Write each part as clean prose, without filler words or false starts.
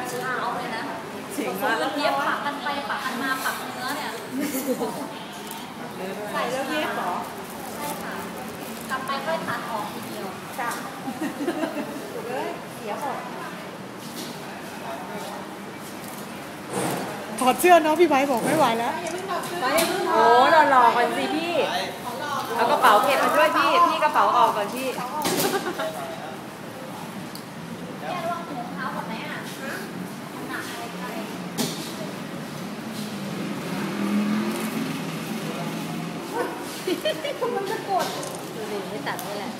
เช้าเลยนะจริงมากเย็บปักกันไปปักกันมาปักเนื้อเนี่ยใส่แล้วเย็บหรอใช่ค่ะกลับไปค่อยตัดออกทีเดียวจ้ะเลยเสียหมดถอดเสื้อเนาะพี่ไบค์บอกไม่ไหวแล้วโอ้หล่อๆก่อนสิพี่เอากระเป๋าเก็บมาด้วยพี่กระเป๋าออกก่อนพี่แค่ระวังถุงเท้าก่อนไหมอ่ะหนักอะไรไปมันจะกดดูดิไม่ตัดนี่แหละ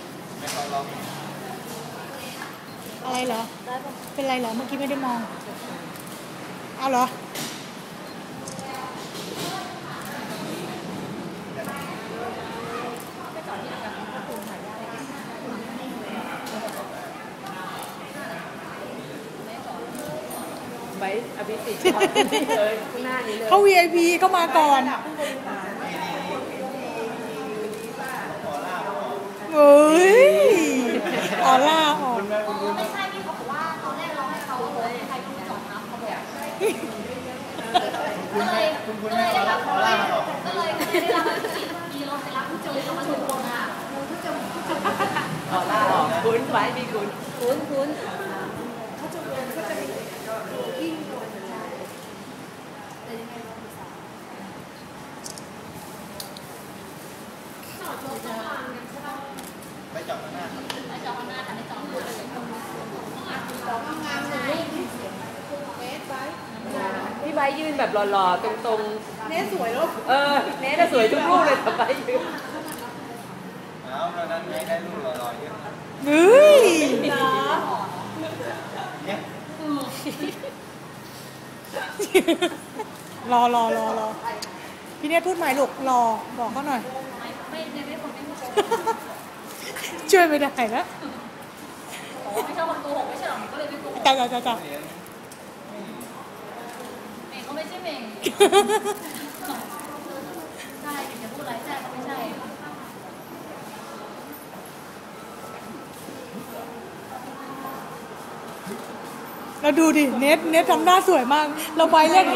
อะไรเหรอเป็นไรเหรอเมื่อกี้ไม่ได้มองเอาเหรอไว้อภิสิทธิ์เลยข้างหน้านี้เลยเขา VIP เข้ามาก่อนเฮ้ยออร่าออกไม่ใช่พี่เขาบอกว่าตอนแรกเราให้เขาเลยใครต้องไปจอดน้ำเขาบอกก็เลยได้รับก็เลยได้รับมีรถไปรับผู้เจอเขามาถึงตรงอ่ะออร่าออกคุ้นไว้พี่คุ้นไม่จอดข้างหน้าไม่จอดข้างหน้าแต่ไม่จอดข้างหลังพี่ใบยืนแบบหล่อๆตรงเนสสวยลูกเนสสวยทุกรูปเลยแต่ใบยืนเอาแล้วนั้นได้รูปหล่อๆเยอะเฮ้ยรอพี่เนสพูดใหม่ลูกรอบอกเขาหน่อยไม่คนไม่ช่วยไม่ได้แล้วไม่ชอบคนโกหกไม่ใช่หรอก็เลยไม่โกหกจ้าเมงก็ไม่ใช่เมงใช่จะพูดอะไรใช่ก็ไม่ใช่เราดูดิเน็ตทำหน้าสวยมากเราไปเล่น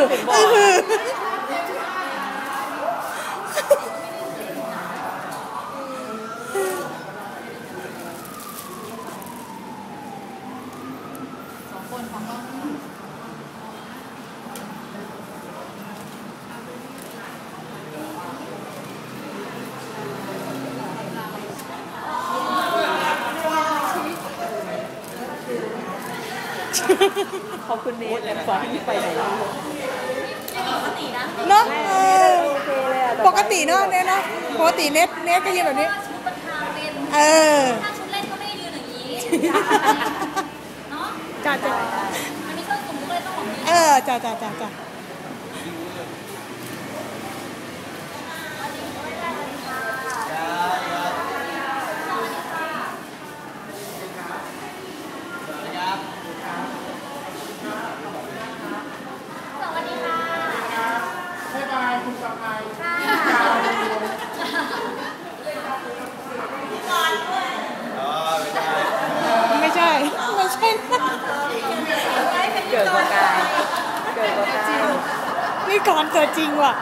ขอบคุณเนสสอนที่ไปไหนปกตินะเนาะปกติเนาะเน็ตปกติเน็ตก็ยืนแบบนี้ชุดประธานเป็นถ้าชุดเล่นก็ไม่ได้ยืนอย่างนี้เนาะจ้ามันมีเครื่องสุ่มก็เลยต้องของยืนจ้าไม่ใช่เกิดประกายนี่ก่อนเกิดจริงว่ะ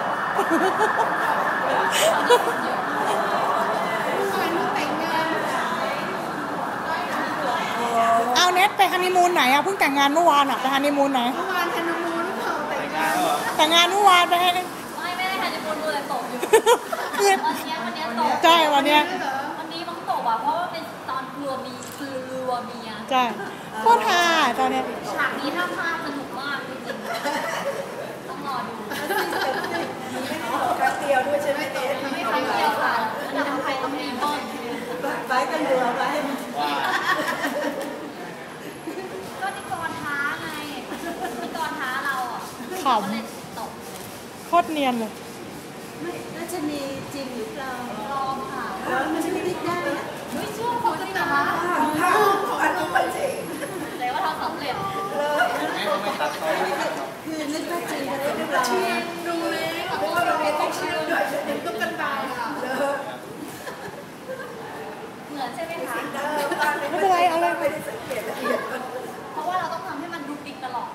เอาเน็ตไปฮันนีมูนไหนอะเพิ่งแต่งงานเมื่อวานอะไปฮันนีมูนไหนเมื่อวานฮันนีมูนแต่งงานเมื่อวานไปให้ไม่ได้ฮันนีมูนเลยตกอยู่วันนี้ตกใช่วันนี้มันตกอ่ะเพราะว่าเป็นตอนรัวมีอ่ะใช่โคตรฮาตอนนี้ฉากนี้ถ้าพลาดสนุกมากจริงๆต้องรอดูแป๊บเดียวด้วยใช่ไหมไม่ใช่เดียวค่ะระดับไทยต้องมีต้นไปกันเรือไปก็ที่กรท้าไงที่กรท้าเราอ่ะขำตกโคตรเนียนเลยไม่น่าจะมีจริงหรือเปล่าลองค่ะแล้วมันจะไม่ได้ได้ไม่เชื่อเขาจริงเหรอคะของอันนี้เป็นจริงเลยว่าทำสำเร็จไม่ตัดต่อคือนึกว่าจริงหรือเปล่าดูเลยเพราะว่าเราต้องเชื่อด้วยเด็กต้องกันตายค่ะเหมือนใช่ไหมคะไม่เป็นไรเอาเลยเพราะว่าเราต้องทำให้มันดูดิกตลอด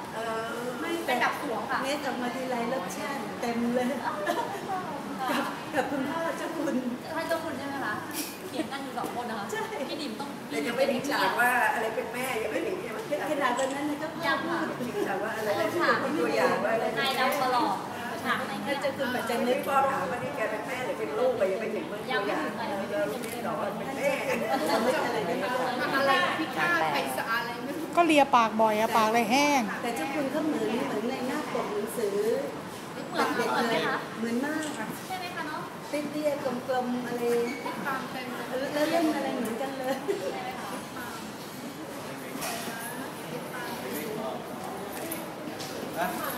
พี่ดิมต้องแต่ยังไม่ถึงฉากว่าอะไรเป็นแม่ยังไม่ถึงใช่ไหมขนาดตอนนั้นนะก็ยังค่ะถึงฉากว่าอะไรเป็นตัวอย่างว่าอะไรนายดำตลอดฉากในถ้าจะคุณปัจจัยนึกพ่อถามว่านี่แกเป็นแม่หรือเป็นลูกไปยังไม่ถึงตัวอย่างเราไม่หรอกเป็นแม่อะไรไม่รู้อะไรพี่ข้าใครสะอาดอะไรไม่รู้ก็เลียปากบ่อยอะปากเลยแห้งแต่เจ้าคุณก็เหมือนในหน้าปกหนังสือเหมือนไหมคะเหมือนมากค่ะใช่ไหมคะเนาะเตี้ยๆกลมๆอะไรตามเต็มเลยแล้วเล่นอะไรเหมือนกันเลยใช่ไหมคะนะ